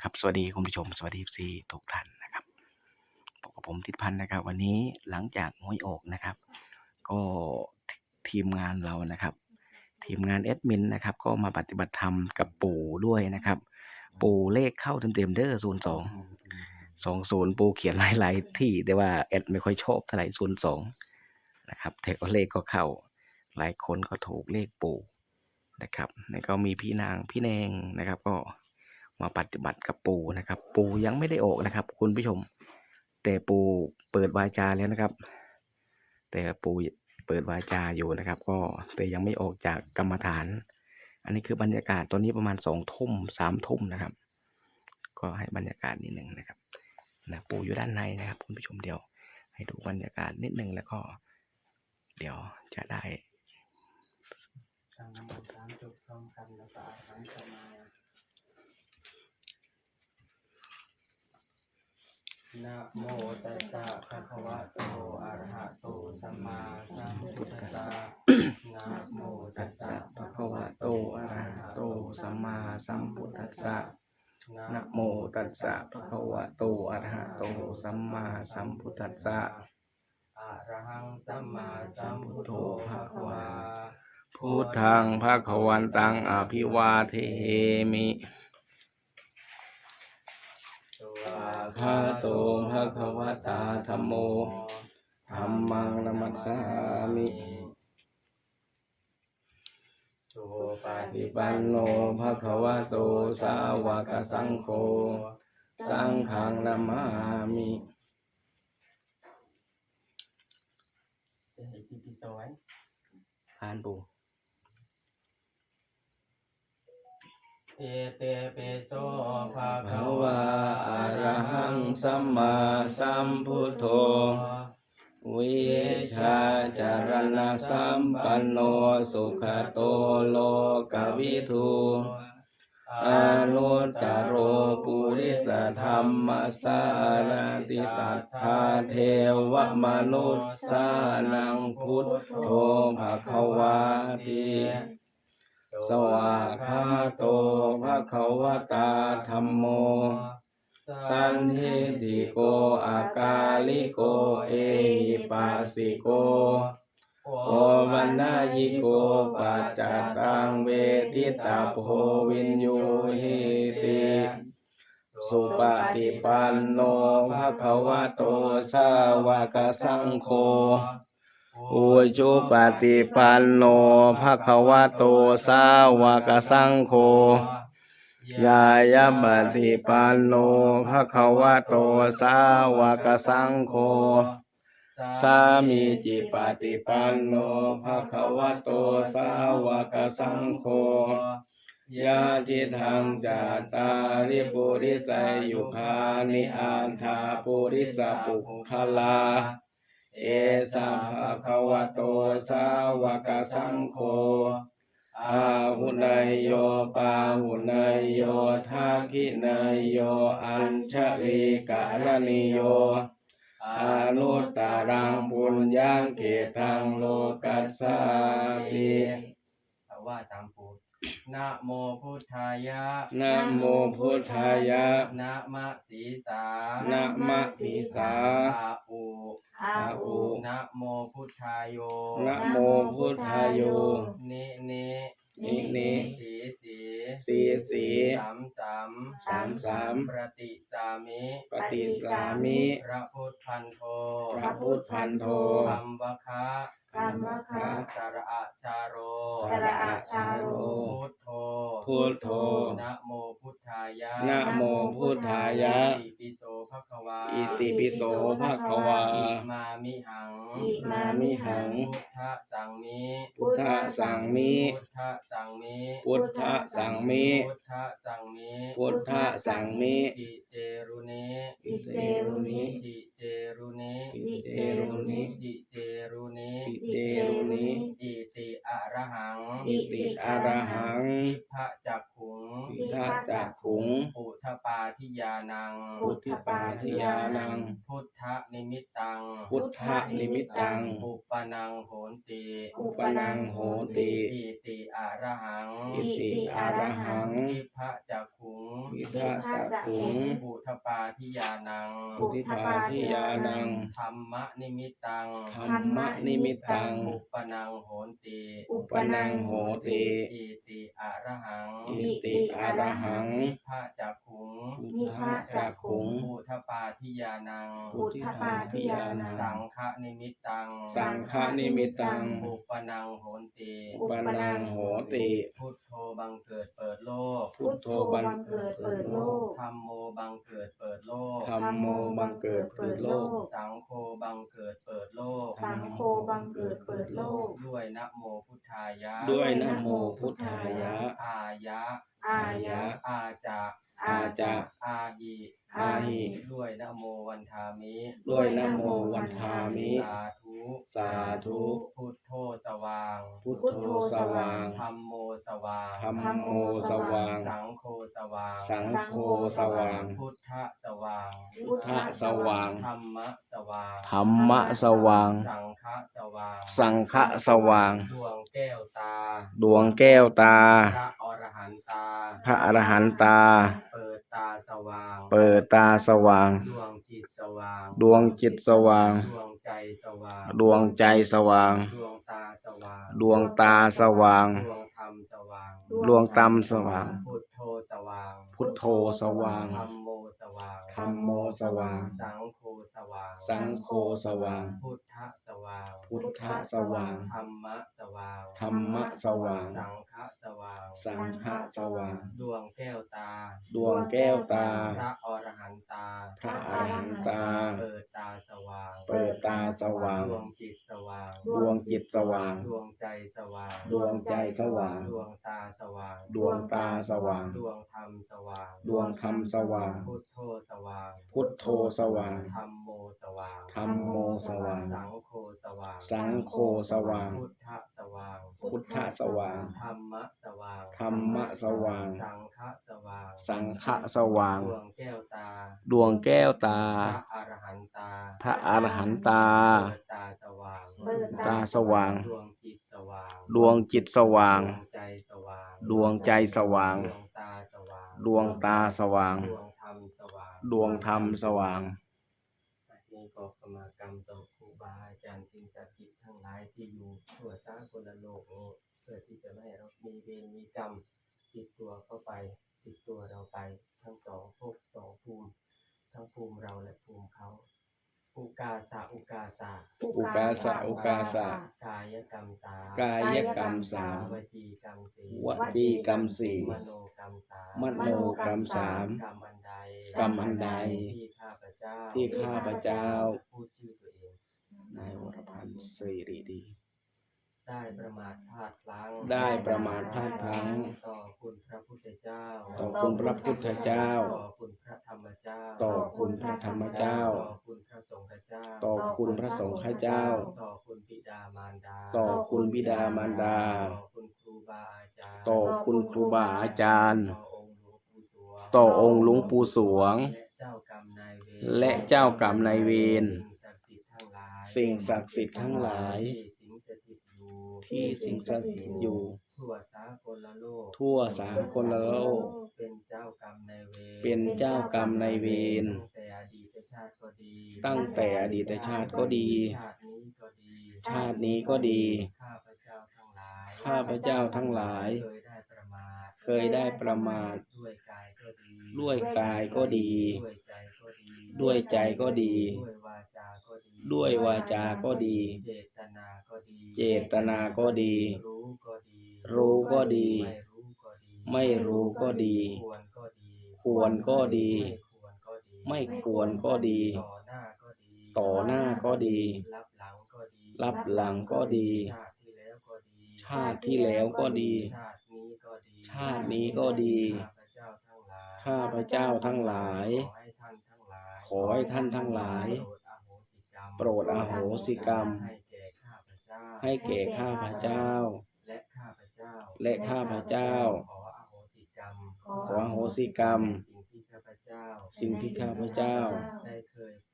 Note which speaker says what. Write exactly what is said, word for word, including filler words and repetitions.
Speaker 1: ครับสวัสดีคุณผู้ชมสวัสดีซีทุกท่านนะครับพบกับผมทิศพันธ์นะครับวันนี้หลังจากหวยออกนะครับก็ทีมงานเรานะครับทีมงานแอดมินนะครับก็มาปฏิบัติธรรมกับปู่ด้วยนะครับปู่เลขเข้าเต็มๆเด้อศูนย์สองสองศูนย์ปู่เขียนหลายๆที่แต่ว่าแอดไม่ค่อยชอบเท่าไหร่ศูนย์สองนะครับแต่ก็เลขก็เข้าหลายคนก็ถูกเลขปู่นะครับแล้วก็มีพี่นางพี่แนงนะครับก็มาปฏิบัติกับปู่นะครับปู่ยังไม่ได้ออกนะครับคุณผู้ชมแต่ปู่เปิดวาจาแล้วนะครับแต่ปู่เปิดวาจาอยู่นะครับก็แต่ยังไม่ออกจากกรรมฐานอันนี้คือบรรยากาศตอนนี้ประมาณสองทุ่มสามทุ่มนะครับก็ให้บรรยากาศนิดหนึ่งนะครับนะปู่อยู่ด้านในนะครับคุณผู้ชมเดี๋ยวให้ดูบรรยากาศนิดหนึ่งแล้วก็เดี๋ยวจะได้
Speaker 2: น้ำมันสามจุดสองคำละสาทั้งสมานะโมตัสสะภะคะวะโตอะระหะโตสัมมาสัมพุทธัสสะนะโมตัสสะภะคะวะโตอะระหะโตสัมมาสัมพุทธัสสะนะโมตัสสะภะคะวะโตอะระหะโตสัมมาสัมพุทธัสสะอะระหังสัมมาสัมพุทโธภะคะวา
Speaker 1: พุทธังภคะวันตังอภิวาเทมิภะโตภะคะวะตาธัมโมธัมมังนัมมัสสามิสุปฏิปันโนภะคะวะโตสาวกสังโฆสังฆังนามามิอ่านปู่
Speaker 2: เอเตเปโสภะ
Speaker 1: ภะ
Speaker 2: คะวะ
Speaker 1: วะอะระหังสัมมาสัมพุทโธวิชาจารณะสัมปันโนสุขโตโลกวิทูอนุตตโรปุริสธรรมสารติสัทธาเทวมนุษสานังพุทโธภควาติสวากขาโตภควตาธัมโมสันทิติโกอากาลิโกเอหิปัสสิโกโอวันนายิโกปัจจตังเวทิตาโพวินยูหิติสุปฏิปันโนภะคะวะโตสาวกสังโฆอุจุปฏิปันโนภะคะวะโตสาวกสังโฆยายาปฏิปันโนภะคะวะโตสาวกสังโฆสามีจิปฏิปันโนภะคะวะโตสาวกสังโฆยะทิทังจัตตาริปุริสายุคานิอันธาปุริสปุคลาเอสะภะคะวะโตสาวกสังโฆอาหุนายโยปาหุนายโยทักขินายโยอัญชลีการณิโยอนุตตรังปุญญังเกตังโลกัสสาติ
Speaker 2: ว่าตามปูนะโมพุทธายะ
Speaker 1: นะโมพุทธายะ
Speaker 2: นะมะสีสา
Speaker 1: นะมะสีสา
Speaker 2: อาอุ
Speaker 1: อาอุ
Speaker 2: นะโมพุทธายโย
Speaker 1: นะโมพุทธายโย
Speaker 2: นินิ
Speaker 1: นินิ
Speaker 2: สีสี
Speaker 1: สีสี
Speaker 2: สามสาม
Speaker 1: สามสาม
Speaker 2: ปฏิสามิ
Speaker 1: ปฏิสามิ
Speaker 2: พระพุทธพันโท
Speaker 1: พระพุทธพันโท
Speaker 2: ธัมวคะ
Speaker 3: ธัมวคะ
Speaker 2: สระอะชาโร
Speaker 3: สระอะชาโร
Speaker 2: พุทโธ
Speaker 1: พุทโธ
Speaker 2: นะโมพุทธายะ
Speaker 1: นะโมพุทธายะ
Speaker 2: อิติปิโสภควา
Speaker 1: อิติปิโสภควา
Speaker 2: อิมามิหัง
Speaker 3: อิมามิหัง
Speaker 2: พุทธสังมิ
Speaker 1: พุทธสังมิ
Speaker 2: พุทธสังมิ
Speaker 1: พุทธสังมิ
Speaker 2: พุทธสังมิ
Speaker 1: พุทธสังมิ
Speaker 2: อิเจรุนิ
Speaker 3: อิเตรุนิ
Speaker 2: อิเจรุนิ
Speaker 1: อิเจรุนิ
Speaker 2: อิเจรุนิ
Speaker 1: อิเจรุนิ
Speaker 2: อิติอะระหัง
Speaker 1: อิติอะระหัง
Speaker 2: ทิพะจักขุง
Speaker 1: ทิทะจักขุง
Speaker 2: ปุถปาทิยานัง
Speaker 1: พุทธิปาทิยานัง
Speaker 2: พุทธนิมิตตัง
Speaker 1: พุทธนิมิตตัง
Speaker 2: อุปนังโหนติ
Speaker 1: อุปนังโหติ
Speaker 2: อิติอะระหัง
Speaker 1: อิติอะระหัง
Speaker 2: ทิพะจักขุง
Speaker 1: ทิทะจักขุง
Speaker 2: ปุถปาทิยานัง
Speaker 1: พุทธิปาทิยานัง
Speaker 2: ธรรมนิมิตตัง
Speaker 1: ธรรมนิมิตตัง
Speaker 2: อุปนังโหนติ
Speaker 1: อุปนังโหติ
Speaker 2: อิติอะระหัง
Speaker 1: อิติอะระหัง
Speaker 2: ทิพะจักขุง
Speaker 1: พุทธจักขุง
Speaker 2: ปุถปาทิยานัง
Speaker 1: พุทธิปาทิยานัง
Speaker 2: สังฆนิมิตตัง
Speaker 1: สังฆนิมิตตัง
Speaker 2: อุปนังโหนติ
Speaker 1: อุปนังโหติ
Speaker 2: พุทโธบังเกิดเปิดโลก
Speaker 1: พุทโธบังเกิดเปิดโลก
Speaker 2: ธัมโมบังเกิดเปิดโลก
Speaker 1: ธัมโมบังเกิดเปิดโลก
Speaker 2: สังโฆบังเกิดเปิดโลก
Speaker 3: สังโฆบังเกิดเปิดโลก
Speaker 2: ด้วยนะโมพุทธายะ
Speaker 1: ด้วยนะโมพุทธายะ
Speaker 2: อายะ
Speaker 3: อายะ
Speaker 2: อาจะ
Speaker 1: อาจะ
Speaker 2: อาหิ
Speaker 1: อาหิ
Speaker 2: ด้วยนะโมวันทามิ
Speaker 1: ด้วยนะโมวันทามิ
Speaker 2: สาธุ
Speaker 1: สาธุ
Speaker 2: พุทโธสว่าง
Speaker 1: พุทโธสว่าง
Speaker 2: ธัมโมสว่าง
Speaker 1: ธัมโมสว่าง
Speaker 2: สังโฆสว่าง
Speaker 1: สังโฆสว่าง
Speaker 2: พุทธสว่าง
Speaker 1: พุทธสว่าง
Speaker 2: ธรรมะสว่าง
Speaker 1: ธรรมะสว่าง
Speaker 2: สังฆะสว่าง
Speaker 1: สังฆะสว่าง
Speaker 2: ดวงแก้วตา
Speaker 1: ดวงแก้วตา
Speaker 2: พระอรหันตา
Speaker 1: พระอรหันตา
Speaker 2: เปิดตาสว่าง
Speaker 1: เปิดตาสว่าง
Speaker 2: ดวงจิตสว่าง
Speaker 1: ดวงจิตสว่าง
Speaker 2: ดวงใจสว่าง
Speaker 1: ดวงใจสว่าง
Speaker 2: ดวงตาสว่าง
Speaker 1: ดวงตาสว่าง
Speaker 2: ดวงธรรมสว่าง
Speaker 1: ดวงตามสว่าง
Speaker 2: พุทโธสว่าง
Speaker 1: พุทโธสว่าง
Speaker 2: ธัมโมสว่าง
Speaker 1: ธัมโมสว่าง
Speaker 2: สังโฆสว่าง
Speaker 1: สังโฆสว่าง
Speaker 2: พุทธสว่าง
Speaker 1: พุทธสว่าง
Speaker 2: ธรรมะสว่าง
Speaker 1: ธรรมะสว่าง
Speaker 2: สังฆะสว่าง
Speaker 1: สังฆะสว่าง
Speaker 2: ดวงแก้วตา
Speaker 1: ดวงแก้วตา
Speaker 2: พระอรหันตา
Speaker 1: พระอรหันตา
Speaker 2: เปิดตาสว่าง
Speaker 1: เปิดตาสว่าง
Speaker 2: ดวงจิตสว่าง
Speaker 1: ดวงจิตสว่าง
Speaker 2: ดวงใจสว่าง
Speaker 1: ดวงใจสว่าง
Speaker 2: ดวงตาสว่าง
Speaker 1: ดวงตาสว่าง
Speaker 2: ดวงธรรมสว่าง
Speaker 1: ดวงธรรมสว่าง
Speaker 2: พุทโธสว่าง
Speaker 1: พุทโธสว่าง
Speaker 2: ธรรมโมสว่าง
Speaker 1: ธัมโมสว่าง
Speaker 2: สังโฆสว่าง
Speaker 1: สังโฆสว่าง
Speaker 2: พุทธสว่าง
Speaker 1: พุทธสว่าง
Speaker 2: ธรรมะสว่าง
Speaker 1: ธรรมะสว่าง
Speaker 2: สังฆะสว่าง
Speaker 1: สังฆะสว่าง
Speaker 2: ดวงแก้วตา
Speaker 1: ดวงแก้วตา
Speaker 2: พระอรหันตา
Speaker 1: พระอรหันตา
Speaker 2: เปิดตาสว่าง
Speaker 3: เปิด
Speaker 1: ตาสว่าง
Speaker 2: ดวงจิตสว่าง
Speaker 1: ดวงจิตสว่าง
Speaker 2: ดวงใจสว่าง
Speaker 1: ดวงใจสว่าง
Speaker 2: ดวงตาสว่าง
Speaker 1: ดวงตาสว่าง
Speaker 2: ดวงธรรมสว่าง
Speaker 1: ดวงธรรมสว่าง
Speaker 2: นี่ก็กรรมกรรมต่อครูบาอาจารย์สิ่งศักดิ์สิทธิ์ทั้งหลายที่อยู่ทั่วสากลโลกนี้เพื่อที่จะไม่ให้เรามีเวรมีกรรมติดตัวเข้าไปติดตัวเราไปทั้งสองภพสองภูมิทั้งภูมิเราและภูมิเขาอุกาสะอุกาสะ
Speaker 1: อุกาสะอุกาสะ
Speaker 2: กายกรรมสาม
Speaker 1: กายกรรมสาม
Speaker 2: วจีกรรมสี่
Speaker 1: วจีกรรมสี่
Speaker 2: มโนกรรมสาม
Speaker 1: มโนกรรมสาม
Speaker 2: กรรมอันใด
Speaker 1: กรรมอันใด
Speaker 2: ที่ข้าพเจ้า
Speaker 1: ที่ข้าพเจ้า
Speaker 2: พูดชื่อตัวเอง
Speaker 1: นายวรพันธ์สิริดี
Speaker 2: ได้ประมาทพลาดพลั้ง
Speaker 1: ได้ประมาทพลาดพลั้ง
Speaker 2: ต่อคุณพระพุทธเจ้า
Speaker 1: ต่อคุณพระพุทธเจ้า
Speaker 2: ต่อคุณพระธรรมเจ้า
Speaker 1: ต่อคุณพระธรรมเจ้า
Speaker 2: ต่อคุณพระสงฆ์เจ้า
Speaker 1: ต่อคุณพระสงฆ์เจ้า
Speaker 2: ต่อคุณบิดามารดา
Speaker 1: ต่อคุณบิดามารดา
Speaker 2: ต่อคุณครูบาอาจารย์
Speaker 1: ต่อคุณครูบาอาจารย์
Speaker 2: ต่อองค์หลวงปู่สวง
Speaker 1: ต่อองค์หลวงปู่สวง
Speaker 2: และเจ้ากรรมนายเวร
Speaker 1: และเจ้ากรรมนายเวร สิ่งศักดิ์สิทธิ์ทั้งหลาย
Speaker 2: ที่สิงสถิตอยู่
Speaker 1: ที่สิงสถิตอยู่
Speaker 2: ทั่วสากลโลก
Speaker 1: ทั่วสากลโลก
Speaker 2: เป็นเจ้ากรรมนายเวร
Speaker 1: เป็นเจ้ากรรมนายเวร
Speaker 2: ตั้งแต่อดีตชาติก็ดี
Speaker 1: ตั้งแต่อดีตชาติก็ดี
Speaker 2: ชาตินี้ก็ดี
Speaker 1: ชาตินี้ก็ดี
Speaker 2: ข้าพเจ้าทั้งหลาย
Speaker 1: ข้าพเจ้าทั้งหลาย
Speaker 2: เคยได้ประมาท
Speaker 1: เคยได้ประมาท
Speaker 2: ด้วยกายก็ดี
Speaker 1: ด้วยกายก็ดี
Speaker 2: ด้วยใจก็ดี
Speaker 1: ด้วยใจก็ดี
Speaker 2: ด้วยวาจาก็ดี
Speaker 1: ด้วยวาจาก็ดี
Speaker 2: เจตนาก็ดี
Speaker 1: เจตนาก็ดี
Speaker 2: รู้ก็ดี
Speaker 1: รู้ก็ดี
Speaker 2: ไม่รู้ก็ดี
Speaker 1: ไม่รู้ก็ดี
Speaker 2: ควรก็ดี
Speaker 1: ควรก็ดี
Speaker 2: ไม่ควรก็ดี
Speaker 1: ไม่ควรก็ดี
Speaker 2: ต่อหน้าก็ดี
Speaker 1: ต่อหน้าก็ดี
Speaker 2: รับหลังก็ดี
Speaker 1: รับหลังก็ดี
Speaker 2: ชาติที่แล้วก็ดี
Speaker 1: ชาติที่แล้วก็ดี
Speaker 2: ชาตินี้ก็ดี
Speaker 1: ชาตินี้ก็ดี
Speaker 2: ข้าพเจ้าทั้งหลาย
Speaker 1: ข้าพเจ้าทั้งหลาย
Speaker 2: ขอให้ท่านทั้งหลาย
Speaker 1: ขอให้ท่านทั้งหลายรดอโหสิกรรม
Speaker 2: ให้แก่ข้าพเจ้า
Speaker 1: ให้แก่ข้าพเจ้า
Speaker 2: และข้าพเจ้า
Speaker 1: และข้าพเจ้า
Speaker 2: ขออโหสิกรรม
Speaker 1: ขออโหสิกรรม
Speaker 2: สิ่งที่ข้าพเจ้า
Speaker 1: สิ่งที่ข้าพเจ้า
Speaker 2: ได้เคย